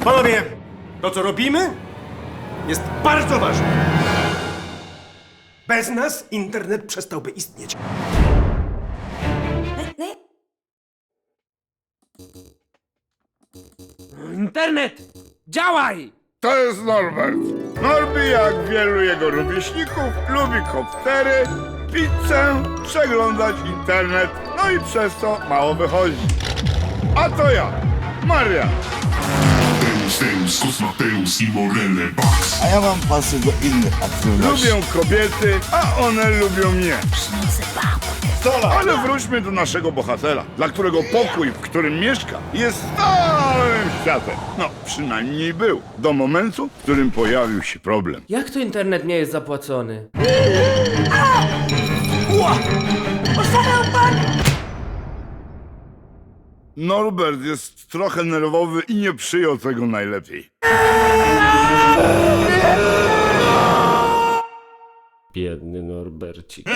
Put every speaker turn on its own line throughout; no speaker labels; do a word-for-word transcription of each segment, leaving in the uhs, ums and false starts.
Panowie, to co robimy jest bardzo ważne. Bez nas internet przestałby istnieć.
Internet! Działaj!
To jest Norbert. Norbi, jak wielu jego rówieśników, lubi koptery, pizzę, przeglądać internet, no i przez to mało wychodzi. A to ja, Maria.
Deus, Deus, Cos Mateus i Morele Box.
A ja mam pasy do innych aktywności.
Lubią kobiety, a one lubią mnie. Ale wróćmy do naszego bohatera, dla którego pokój, w którym mieszka, jest całym światem. No, przynajmniej był. Do momentu, w którym pojawił się problem.
Jak to internet nie jest zapłacony?
Norbert jest trochę nerwowy i nie przyjął tego najlepiej.
Biedny Norbercik.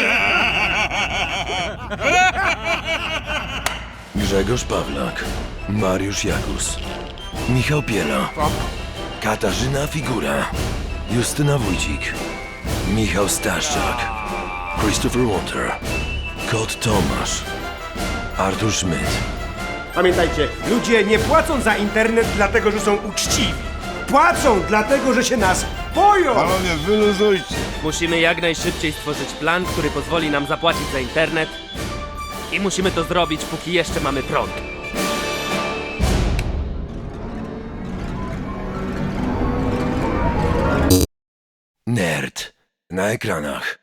Grzegorz Pawlak, Mariusz Jakus, Michał Piela, Katarzyna Figura, Justyna Wójcik, Michał Staszczak, Christopher Walter, Kot Tomasz, Artur Schmidt.
Pamiętajcie, ludzie nie płacą za internet dlatego, że są uczciwi. Płacą dlatego, że się nas boją.
Panowie, wyluzujcie.
Musimy jak najszybciej stworzyć plan, który pozwoli nam zapłacić za internet. I musimy to zrobić, póki jeszcze mamy prąd.
Nerd na ekranach.